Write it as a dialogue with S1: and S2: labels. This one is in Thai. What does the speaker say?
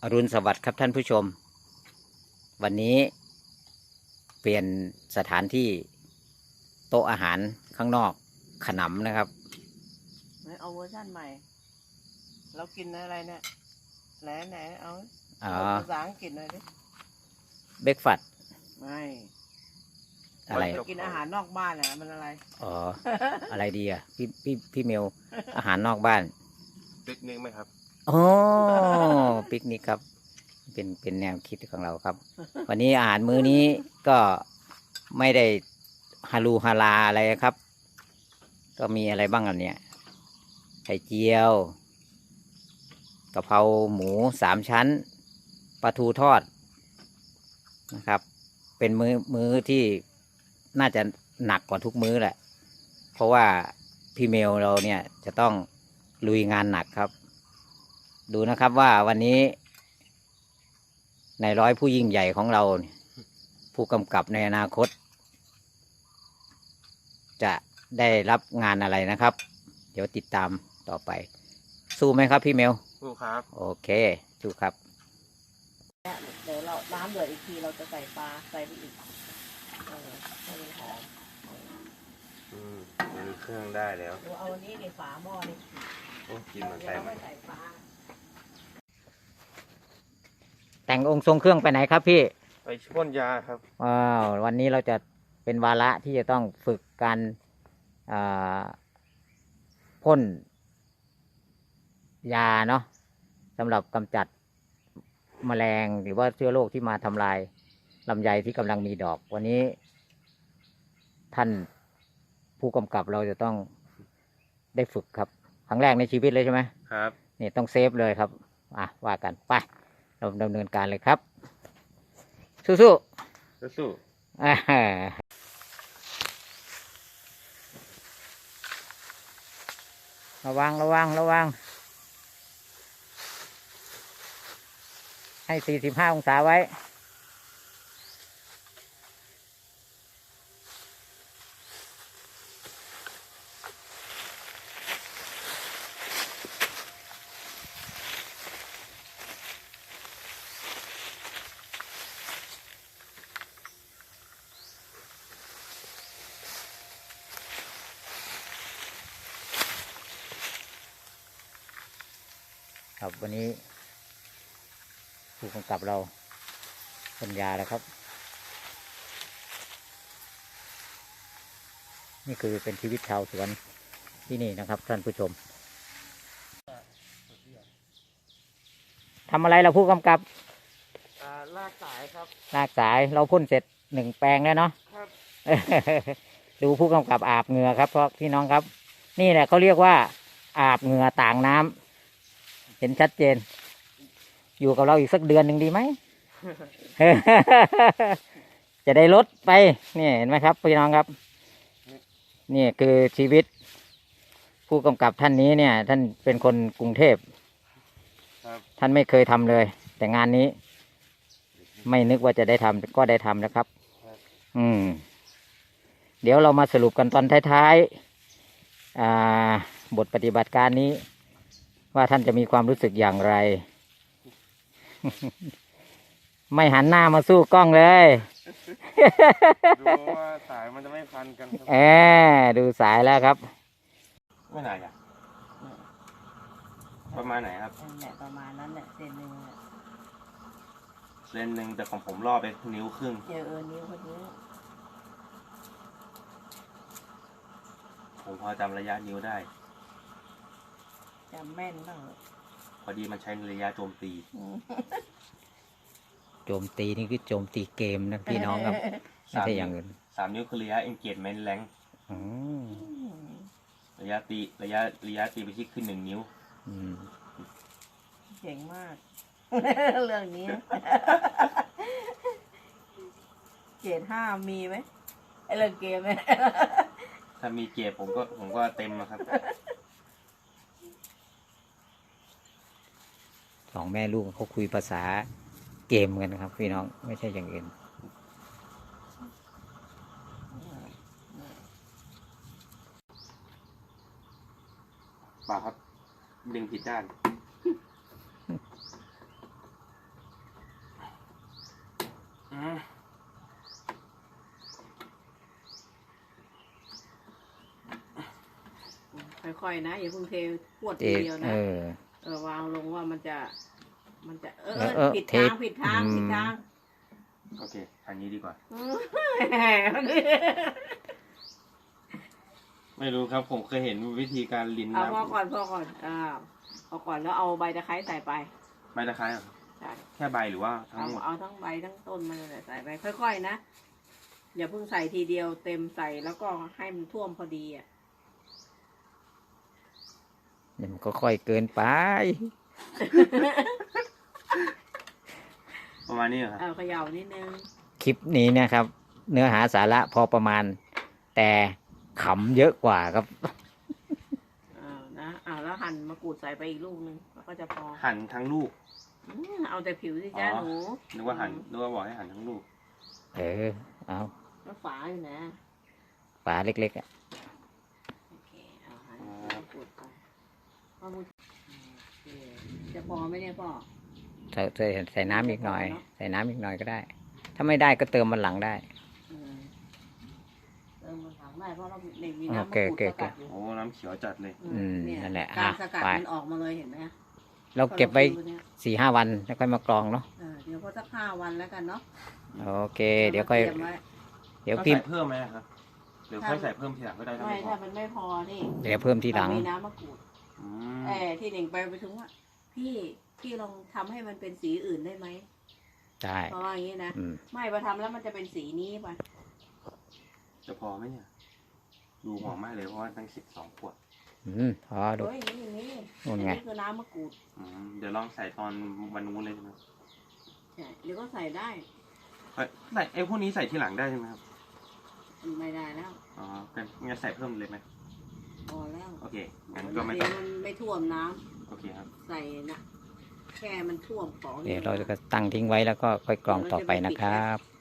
S1: รุณสวัสดิ์ครับท่านผู้ชมวันนี้เปลี่ยนสถานที่โต๊ะอาหารข้างนอกขนำนะครับ
S2: เอาเวอร์ชันใหม่เรากินอะไรเนี่ยไหนเอาภาษาอังกฤษหน่อยดิ
S1: เบรกฟาสต์
S2: ไม่
S1: อะไร
S2: กินอาหารนอกบ้านอ่ะมันอะไร
S1: อ๋อ อะไรดีอ่ะพี่เมลอาหารนอกบ้าน
S3: ปิกนิกไหมครับ
S1: โอ้ปิกนิกครับเป็นแนวคิดของเราครับ วันนี้อาหารมื้อนี้ก็ไม่ได้ฮาลูฮาลาอะไรครับ ก็มีอะไรบ้างอันเนี้ยไข่เจียวกะเพราหมู3 ชั้นปลาทูทอดนะครับ เป็นมื้อที่น่าจะหนักกว่าทุกมื้อแหละเพราะว่าพี่เมลเราเนี่ยจะต้องลุยงานหนักครับดูนะครับว่าวันนี้ในร้อยผู้ยิ่งใหญ่ของเราผู้กำกับในอนาคตจะได้รับงานอะไรนะครับเดี๋ยวติดตามต่อไปสู้ไหมครับพี่เมล
S3: สู้ครับ
S1: โอเคสู้ครับ
S2: เดี๋ยวเราน้ำเดือดอีกทีเราจะใส่ปลาใส่ไปอีกให้มันหอม
S3: มีเครื่องได้แล้ว
S2: เอาอันนี้ในฝาหม้อนี่
S3: โอ้กินมันใส่
S2: ไม่ใส่ปลา
S1: แต่งองค์ทรงเครื่องไปไหนครับพี่
S3: ไปพ่นยาครับ
S1: ว้าววันนี้เราจะเป็นวาระที่จะต้องฝึกการพ่นยาเนาะสำหรับกำจัดแมลงหรือว่าเชื้อโรคที่มาทำลายลำไยที่กำลังมีดอกวันนี้ท่านผู้กำกับเราจะต้องได้ฝึกครับครั้งแรกในชีวิตเลยใช่ไหม
S3: ครับ
S1: นี่ต้องเซฟเลยครับว่ากันไปเราดำเนินการเลยครับสู้ระวังให้45 องศาไว้ครับวันนี้ผู้กำกับเราปัญญาแล้วครับนี่คือเป็นชีวิตชาวสวนที่นี่นะครับท่านผู้ชมทำอะไรเราผู้กำกับ
S3: ลากสายครับ
S1: ลากสายเราพ่นเสร็จ1 แปลงแล้วเนาะ
S3: ครับ
S1: ดูผู้กำกับอาบเหงื่อครับเพราะพี่น้องครับนี่แหละเขาเรียกว่าอาบเหงื่อต่างน้ำเห็นชัดเจนอยู่กับเราอีกสักเดือนหนึ่งดีไหม จะได้ลดไปนี่เห็นไหมครับพี่น้องครับนี่คือชีวิตผู้กำกับท่านนี้เนี่ยท่านเป็นคนกรุงเทพท่านไม่เคยทำเลยแต่งานนี้ไม่นึกว่าจะได้ทำก็ได้ทำแล้วครับเดี๋ยวเรามาสรุปกันตอนท้ายๆบทปฏิบัติการนี้ว่าท่านจะมีความรู้สึกอย่างไร ไม่หันหน้ามาสู้กล้องเลย
S3: ดูว่าสายมันจะไม่พันกัน
S1: ดูสายแล้วครับ
S3: ไม่ไหนอ่ะประมาณไหนครับ
S2: ประมาณนั้นแหละเซนห
S3: นึ่งแต่ของผมรอบไป1.5 นิ้ว
S2: นิ้วคนนี้
S3: ผมพอจำระยะนิ้วได้
S2: จำแม่นบ้าง
S3: พอดีมันใช้ระยะโจมตี
S1: โจมตีนี่คือโจมตีเกมนะพี่น้องครับไม่ใช่อย่างอื่น
S3: 3 นิ้วคือระยะ engagement rank ระยะตีไปที่ขึ้น1 นิ้ว
S2: เก่งมากเรื่องนี้เกรด5มีไหมไอเรื่องเกมไหม
S3: ถ้ามีเกรดผมก็เต็มนะครับ
S1: 2 แม่ลูกเขาคุยภาษาเกมกันนะครับพี่น้องไม่ใช่อย่างอื่น
S3: ป่าครับดึงผิดด้าน
S2: ค่อยๆนะอย่าเพิ่งเทพวด
S1: เอ
S2: ทีเดียวนะ วางลงว่ามันจะผิดทางผิดทางผิดทาง
S3: โอเคทางนี้ดีกว่า ไม่รู้ครับ ผมเคยเห็นวิธีการลิ้น
S2: เอา
S3: น้ำ
S2: พอก่อนเอาก่อนแล้วเอาใบตะไคร้ใส่ไป
S3: ใบตะไคร้เหรอครับ
S2: ใช่
S3: แค่ใบหรือว่าทั้งหมด
S2: เอาทั้งใบทั้งต้นมันเลยใส่ไปค่อยๆนะอย่าเพิ่งใส่ทีเดียวเต็มใส่แล้วก็ให้มันท่วมพอดีอ่ะ
S1: เดี๋ยวมันก็ค่อยเกินไป
S3: ประมาณนี้เหรอครับ
S2: เอาเขย่านิดนึง
S1: คลิปนี้นะครับ เนื้อหาสาระพอประมาณ แต่ขำเยอะกว่าครับ
S2: แล้วหั่นมะกรูดใส่ไปอีกลูกนึงแล้วก็จะพอ
S3: หั่นทั้งลูก
S2: เอาแต่ผิวสิจ้า
S3: อ๋อ
S2: หนู
S3: นึกว่าบอกให้หั่นทั้งลูก
S1: เอา
S2: แล้วฝาอยู่นะ
S1: ฝาเล็กๆอ่ะ
S2: โอเคเอาหั่นมะกรูดไปโอเคจะพอไหมเนี่ยพ่อ
S1: ใส่น้ำอีกหน่อย ใส่น้ำอีกหน่อยก็ได้ ถ้าไม่ได้ก็เติมมันหลังได้
S2: เติมมันถังได้เพราะเราเด็กมีน้ำมะกรูดสกัดอยู่
S3: โอ้น้ำเขียวจัดเลย
S2: เนี่ย
S1: นั่นแหละ
S2: การสกัด
S1: ไป
S2: มันออกมาเลยเห็นไหม
S1: เราเก็บไว้
S2: พอราดูเนี่ย
S1: 4-5 วันแล้วค่อยมากรองเนาะ
S2: เดี๋ยวก็สัก5 วันแล้วกันเนาะ
S1: โอเค เดี๋ยวค่อย
S2: ตรีมไว้
S1: เดี๋ยว
S3: ต้อง
S1: พี่
S3: ใส่เพิ่มไหมครับหรือค่อยใส่เพิ่มทีหลังก็ได้ถ้า
S2: ไม่
S3: ไม่พอ
S2: ถ้ามันไม่พอนี่
S1: เดี๋ยวเพิ่มทีหลัง
S2: มันมีน้ำมะกรูด
S3: อืม
S2: ที่หนึ่งไปถึงว่าพี่ลองทำให้มันเป็นสีอื่นได้ไหม
S1: ได้
S2: เพราะว่าอย่างนี้นะ
S1: อืม
S2: ไม่พอทำแล้วมันจะเป็นสีนี้ป่ะ
S3: จะพอไหมเนี่ย ดูหอมมากเลยเพราะว่าตั้ง12 ขวด
S1: พอดู
S2: โอ้ยอย่างนี้
S1: นู่
S2: อั
S1: น
S2: น
S1: ไง
S2: นี้คือน้ำมะกรูด
S3: เดี๋ยวลองใส่ตอนวันนู้นเลยใช่ไหม
S2: ใช่เดี๋ยวก็ใส่ได้
S3: ใส่ไอ้พวกนี้ใส่ทีหลังได้ใช่ไหมครับ
S2: ไม่ได้แล้ว
S3: อ๋องั้นใส่เพิ่มเลยไหม
S2: พอแล้ว
S3: โอเคงั้นก็ไม่
S2: เดี๋
S3: ต้
S2: ย
S3: อง
S2: วมันไม่ท่วมน้ำ
S3: โอเคครับ
S2: ใส่นะแค่มันท่วมของ
S1: เดี๋ยวเราจะตั้งทิ้งไว้แล้วก็ค่อยกรองต่อไปนะครับ